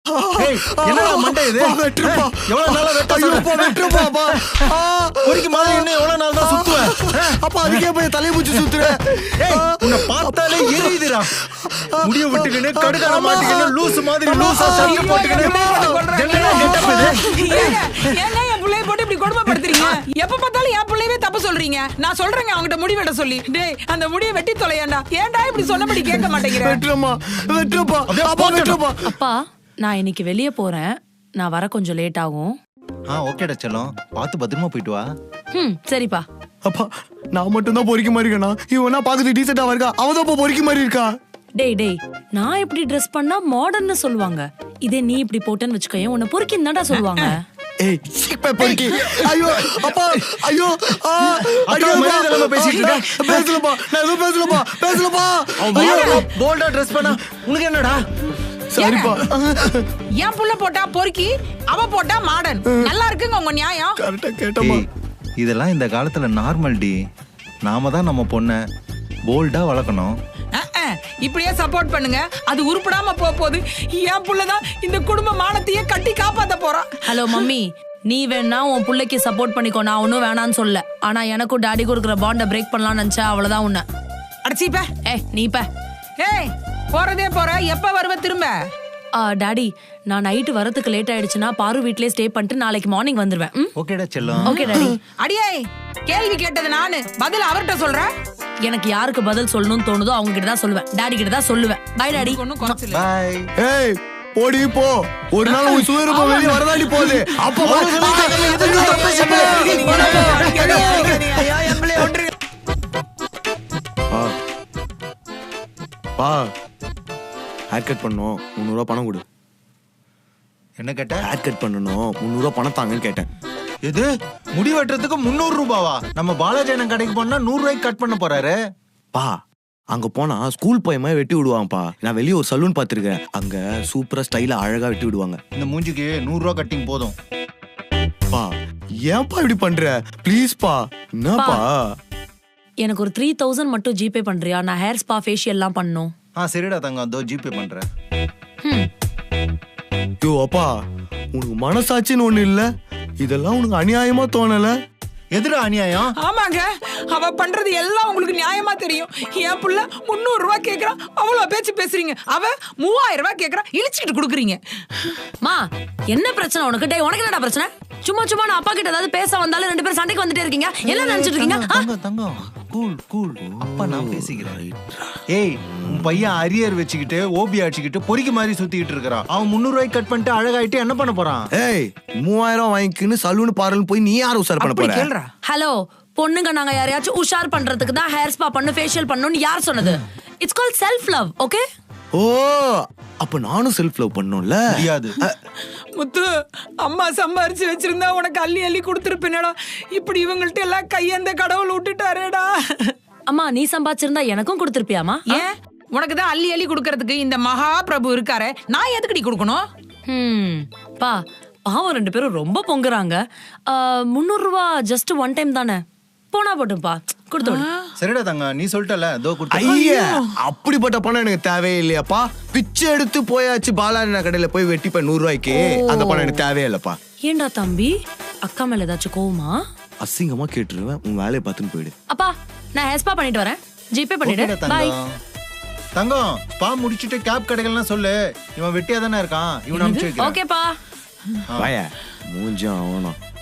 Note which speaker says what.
Speaker 1: என்னடா மண்டை இது?
Speaker 2: வெட்டுப்பா.
Speaker 1: எவ்வளவு நாளா
Speaker 2: வெட்டுப்பா.
Speaker 1: பொறிக்கு மாதிரி இன்னும் எவ்வளவு நாள் தான் சுத்துவ?
Speaker 2: அப்பா அதுக்கே போய் தலையை பூச்சி சுத்துறேன்.
Speaker 1: உன்னை பார்த்தாலே எரியுதுடா. முடிய விட்டுக்கின்னு கடுக்கான மாட்டிக்கின்னு லூசு மாதிரி லூசா சட்டை போட்டுக்கின்னு என்னடா கெட்டப் இது?
Speaker 3: ஏங்க என் புள்ளைய போட்டு இப்படி கொடுமைப்படுத்துறீங்க? எப்ப பார்த்தாலும் என் புள்ளையவே தப்பு சொல்றீங்க. நான் சொல்றேங்க அவங்கிட்ட முடி வெட்ட சொல்லி. டேய் அந்த முடியை வெட்டி தொலையேண்டா. ஏன்டா இப்படி சொன்னபடி கேட்க மாட்டேங்கிற?
Speaker 2: வெட்டுறமா. அப்பா வெட்டுறமா.
Speaker 4: அப்பா நான் இன்னைக்கு வெளியே போறேன். நான் வர கொஞ்சம் லேட் ஆகும்.
Speaker 1: ஓகேடா செல்லம், பார்த்து பத்திரமா போயிட்டு வா.
Speaker 4: சரிப்பா.
Speaker 2: அப்பா நான் மட்டும் தான் பொறிக்க மாதிரி இருக்கேனா? இவனா பாக்குறது டீசெண்டா இருக்கா, அவதான் பொறிக்க மாதிரி இருக்கா.
Speaker 4: டேய் நான் இப்படி ட்ரெஸ் பண்ணா மாடர்ன்னு சொல்லுவாங்க. இதே நீ இப்படி போட்டேன்னு வச்சுக்கோயேன் உன்னை பொறுக்கின்னு தான்டா சொல்லுவாங்க.
Speaker 2: ஏய் சீப்பை பொறுக்கி. ஐயோ அப்பா ஐயோ
Speaker 1: அக்கா மரியாதை பேசிட்டு இருக்க.
Speaker 2: பேசலப்பா, நான் எதுவும் பேசலப்பா.
Speaker 1: போல்டா ட்ரெஸ் பண்ணா உனக்கு என்னடா?
Speaker 2: சரிப்பா.
Speaker 3: என் புள்ள போட்டா பொறுக்கி, அவ போட்டா மாடர்ன். நல்லா இருக்குங்க உங்க நியாயம்.
Speaker 2: கரெக்டா கேட்டமா.
Speaker 1: இதெல்லாம் இந்த காலத்துல நார்மல் டி. நாம தான் நம்ம பொண்ண போல்டா வளர்க்கணும்.
Speaker 3: இப்படியே சப்போர்ட் பண்ணுங்க. அது உருப்படாம போகுது. என் புள்ளதான் இந்த குடும்ப மானத்தையே கட்டி காப்பாத்த போறான்.
Speaker 4: ஹலோ மம்மி, நீ வேணா உன் புள்ளைக்கு சப்போர்ட் பண்ணிக்கோ, நான் ஒன்னும் வேணான்னு சொல்ல. ஆனா எனக்கும் டாடி கொடுக்குற பாண்ட பிரேக் பண்ணலாம்னு நினைச்சா அவ்வளவுதான் உன்ன.
Speaker 3: அடிச்சிப்ப.
Speaker 4: நீப்ப.
Speaker 3: போறதே போற, எப்ப வருவ திரும்ப?
Speaker 4: டாடி நான் நைட்டு வரதுக்கு லேட் ஆயிடுச்சுன்னா பாரு வீட்லயே ஸ்டே பண்ணிட்டு நாளைக்கு மார்னிங் வந்துருவேன்.
Speaker 1: ஓகேடா செல்லம்.
Speaker 4: Okay daddy.
Speaker 3: அடியே கேள்வி கேட்டது நானு, பதில் அவர்கிட்ட சொல்றேன்.
Speaker 4: எனக்கு யாருக்கு பதில் சொல்லணும்னு தோணுதோ அவங்க கிட்ட தான் சொல்லுவேன். டாடி கிட்ட தான் சொல்லுவேன். Bye daddy.
Speaker 1: பை.
Speaker 2: ஏய் போடி போ. ஒரு நாள் உன் சுயரூபம் வெளியே வரதாடி போகுது. அப்ப பா ஹேர் கட் பண்ணணும், 300 ரூபா பணம் கொடு.
Speaker 1: என்ன கேட்ட?
Speaker 2: ஹேர் கட் பண்ணணும், 300 ரூபா பணம் தாங்கன்னு கேட்டேன்.
Speaker 1: எது? முடி வெட்டுறதுக்கு 300 ரூபாவா? நம்ம பாலாஜி கடைக்கு போனா 100 ரூபாய்க்கு கட் பண்ண போறாரு.
Speaker 2: பா அங்க போனா ஸ்கூல் பையமா வெட்டி விடுவாங்கப்பா. நான் வெளியே ஒரு சலூன் பாத்துருக்கேன், அங்க சூப்பரா ஸ்டைலா அழகா வெட்டி விடுவாங்க.
Speaker 1: இந்த மூஞ்சிக்கு 100 ரூபா கட்டிங் போதும்.
Speaker 2: பா ஏன்பா இப்படி பண்ற? ப்ளீஸ் பா. என்னப்பா?
Speaker 4: எனக்கு ஒரு 3000 மட்டும் ஜிபே பண்றியா? நான் ஹேர் ஸ்பா ஃபேஷியல் எல்லாம் பண்ணனும்.
Speaker 1: சரிடா தங்கம், அதோ ஜிபே பண்றேன்.
Speaker 2: யோ அப்பா, உனக்கு மனசாட்சின்னு ஒண்ணு இல்ல? இதெல்லாம் உனக்கு அநியாயமா தோணல?
Speaker 1: எதுடா அநியாயம்?
Speaker 3: ஆமாங்க, அவ பண்றது எல்லாம் உங்களுக்கு நியாயமா தெரியும். என் புள்ள 300 ரூபாய் கேக்குறான், அவ்வளவு பேச்சு பேசுறீங்க. அவ 3000 ரூபாய் கேக்குறா, இழிச்சிட்டு குடுக்குறீங்க.
Speaker 4: மா என்ன பிரச்சனை உனக்கு? டேய் உனக்கு என்னடா பிரச்சனை? சும்மா நான் அப்பா கிட்ட ஏதாவது பேச வந்தாலும் ரெண்டு பேரும் சண்டைக்கு வந்துட்டே இருக்கீங்க. என்ன நினைச்சிட்டு இருக்கீங்க?
Speaker 1: தங்கம் கூல் அப்பா நான் பேசிக்கிறேன். ஏய் உன் பையன் அரியர் வச்சுக்கிட்டு ஓபி அடிச்சுக்கிட்டு பொறிக்கு மாதிரி சுத்திக்கிட்டு இருக்கிறான். அவன் 300 ரூபாய்க்கு கட் பண்ணிட்டு அழகாயிட்டு என்ன பண்ண போறான்?
Speaker 2: ஏய் 3000 வாங்கிக்கின்னு சலூன் பார்லர் போய் நீ யார் உஷார் பண்ண போற?
Speaker 3: கேளுடா.
Speaker 4: ஹலோ பொண்ணுங்க, நாங்க யாரையாச்சும் உஷார் பண்றதுக்கு தான் ஹேர் ஸ்பா பண்ணு ஃபேஷியல் பண்ணனும்னு யார் சொன்னது? It's called self love. Okay?
Speaker 2: ஓ அப்ப நானும் செல்ஃப் லவ் பண்ணனும்ல?
Speaker 1: முடியாது
Speaker 3: முத்து, அம்மா சம்பாரிச்சு வச்சிருந்தா உனக்கு அள்ளி அள்ளி கொடுத்துருப்பேனடா. இப்படி இவங்கள்ட்ட எல்லாம் கையந்த கடவுள் விட்டுட்டாரேடா.
Speaker 4: அம்மா நீ சம்பாதிச்சிருந்தா எனக்கும் கொடுத்துருப்பியாமா?
Speaker 3: ஏன் உனக்கு தான் அள்ளி அள்ளி கொடுக்கறதுக்கு இந்த மகா பிரபு இருக்காரே, நான் எதுக்குடி கொடுக்கணும்?
Speaker 4: பா பாவம் ரெண்டு பேரும் ரொம்ப பொங்குறாங்க. 300 ரூபா ஜஸ்ட் ஒன் டைம் தானே, போனா போட்டும்பா கொடுத்து விடு.
Speaker 1: சரிடா தங்க, நீ சொல்லிட்டல அதோ கொடுத்து.
Speaker 2: ஐயா அப்படிப்பட்ட பணம் எனக்கு தேவையே இல்லையாப்பா. பிச்சை எடுத்து போயாச்சு பாலாஜி கடையில போய் வெட்டிப்ப 100 ரூபாய்க்கு. அந்த பணம் எனக்கு தேவையே இல்லப்பா.
Speaker 4: ஏண்டா தம்பி, அக்கா மேல ஏதாச்சும் கோவமா?
Speaker 2: அசிங்கமா கேட்டுருவேன், உன் வேலையை பார்த்துன்னு போயிடு.
Speaker 4: அப்பா நான் ஹேர் ஸ்பா பண்ணிட்டு வரேன், ஜிபே பண்ணிடு. பை
Speaker 1: தங்கம். ஸ்பா முடிச்சிட்டு கேப் கடைகள்லாம் சொல்லு. இவன் வெட்டியா தானே இருக்கான், இவன் அனுப்பிச்சு வைக்கிறேன்.
Speaker 4: ஓகேப்பா.
Speaker 2: வாயா மூஞ்சும் ஆவணும்.